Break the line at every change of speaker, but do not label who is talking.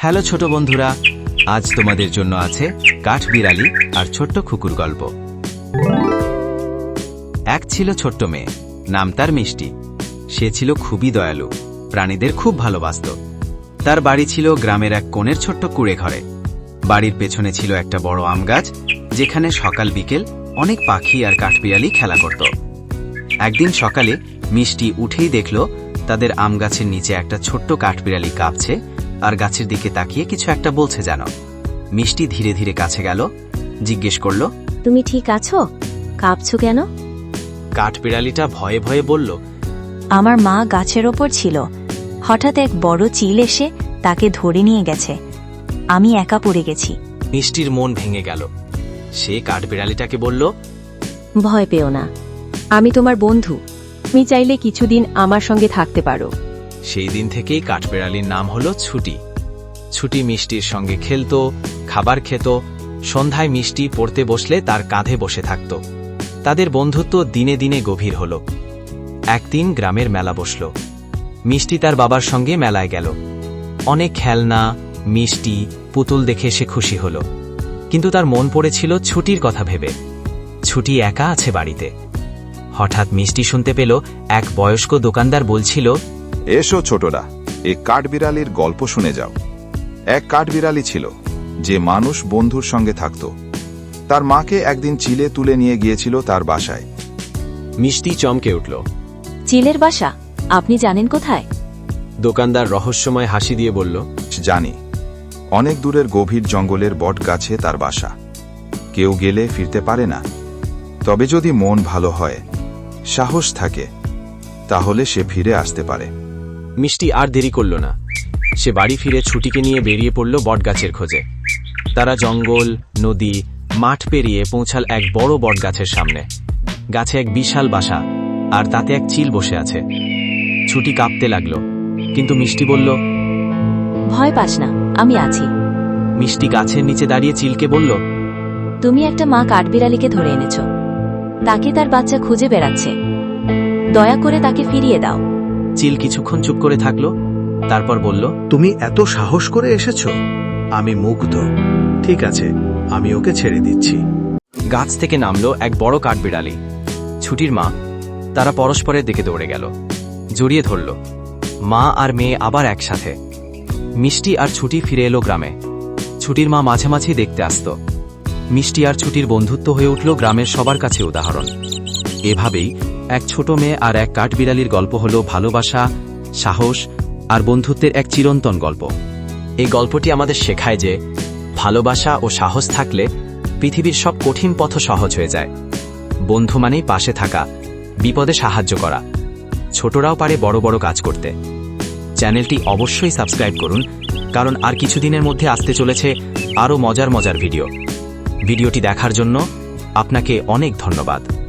Hello ছোট বন্ধুরা, আজ তোমাদের জন্য আছে কাঠবিড়ালি আর ছোট্ট কুকুর গল্প। এক ছিল ছোট্ট মেয়ে, নাম তার মিষ্টি। সে ছিল খুবই দয়ালু, প্রাণীদের খুব ভালোবাসত। তার বাড়ি ছিল গ্রামের এক কোণের ছোট্ট কুঁড়ে ঘরে। বাড়ির পেছনে ছিল একটা বড় আম গাছ, যেখানে সকাল বিকেল অনেক পাখি আর কাঠবিড়ালি খেলা করত। একদিন সকালে মিষ্টি উঠেই দেখল তাদের আম গাছের নিচে একটা ছোট্ট কাঠবিড়ালি কাঁপছে আর গাছের দিকে তাকিয়ে কিছু একটা বলছে যেন। মিষ্টি ধীরে ধীরে কাছে গেল, জিজ্ঞেস করল,
তুমি ঠিক আছো? কাঁপছো কেন?
কাঠবিড়ালিটা ভয়ে ভয়ে বলল,
আমার মা গাছের ওপর ছিল, হঠাৎ এক বড় চিল এসে তাকে ধরে নিয়ে গেছে। আমি একা পড়ে গেছি।
মিষ্টির মন ভেঙে গেল। সে কাঠবিড়ালিটাকে বলল,
ভয় পেও না, আমি তোমার বন্ধু। তুমি চাইলে কিছুদিন আমার সঙ্গে থাকতে পারো।
সেই দিন থেকেই কাঠবিড়ালির নাম হলো ছুটি। ছুটি মিষ্টির সঙ্গে খেলত, খাবার খেত। সন্ধ্যায় মিষ্টি পড়তে বসলে তার কাঁধে বসে থাকত। তাদের বন্ধুত্ব দিনে দিনে গভীর হল। একদিন গ্রামের মেলা বসল। মিষ্টি তার বাবার সঙ্গে মেলায় গেল। অনেক খেলনা, মিষ্টি, পুতুল দেখে সে খুশি হল। কিন্তু তার মন পড়েছিল ছুটির কথা ভেবে। ছুটি একা আছে বাড়িতে। হঠাৎ মিষ্টি শুনতে পেল এক বয়স্ক দোকানদার বলছিল,
এসো ছোটরা, এই কাঠবিড়ালির গল্প শুনে যাও। এক কাঠবিড়ালি ছিল, যে মানুষ বন্ধুর সঙ্গে থাকত। তার মাকে একদিন চিলে তুলে নিয়ে গিয়েছিল তার বাসায়।
মিষ্টি চমকে উঠল।
চিলের বাসা? আপনি জানেন কোথায়?
দোকানদার রহস্যময় হাসি দিয়ে বলল,
জানি, অনেক দূরের গভীর জঙ্গলের বট গাছে তার বাসা। কেউ গেলে ফিরতে পারে না। তবে যদি মন ভালো হয়, সাহস থাকে, তাহলে সে ফিরে আসতে পারে।
মিষ্টি আর দেরি করল না। সে বাড়ি ফিরে ছুটিকে নিয়ে বেরিয়ে পড়ল বটগাছের খোঁজে। তারা জঙ্গল, নদী, মাঠ পেরিয়ে পৌঁছাল এক বড় বটগাছের সামনে। গাছে এক বিশাল বাসা, আর তাতে এক চিল বসে আছে। ছুটি কাঁপতে লাগলো, কিন্তু মিষ্টি বলল,
ভয় পাস না, আমি আছি।
মিষ্টি গাছের নিচে দাঁড়িয়ে চিলকে বলল,
তুমি একটা মা কাঠবিড়ালিকে ধরে এনেছ। তাকে তার বাচ্চা খুঁজে বেড়াচ্ছে। দয়া করে তাকে ফিরিয়ে দাও।
চিল কিছুক্ষণ চুপ করে থাকলো, তারপর বলল,
তুমি এত সাহস করে এসেছো? আমি মুগ্ধ। ঠিক আছে, আমি ওকে ছেড়ে দিচ্ছি।
গাছ থেকে নামলো এক বড় কাঠবিড়ালি, ছুটির মা। তারা পরস্পরের দিকে দৌড়ে গেল, জড়িয়ে ধরল। মা আর মেয়ে আবার একসাথে। মিষ্টি আর ছুটি ফিরে এলো গ্রামে। ছুটির মা মাঝে মাঝেই দেখতে আসত। মিষ্টি আর ছুটির বন্ধুত্ব হয়ে উঠল গ্রামের সবার কাছে উদাহরণ। এভাবেই এক ছোট মেয়ে আর এক কাঠবিড়ালির গল্প হলো ভালোবাসা, সাহস আর বন্ধুত্বের এক চিরন্তন গল্প। এই গল্পটি আমাদের শেখায় যে ভালোবাসা ও সাহস থাকলে পৃথিবীর সব কঠিন পথ সহজ হয়ে যায়। বন্ধু মানেই পাশে থাকা, বিপদে সাহায্য করা। ছোটরাও পারে বড় বড় কাজ করতে। চ্যানেলটি অবশ্যই সাবস্ক্রাইব করুন, কারণ আর কিছুদিনের মধ্যে আসতে চলেছে আরও মজার মজার ভিডিও। ভিডিওটি দেখার জন্য আপনাকে অনেক ধন্যবাদ।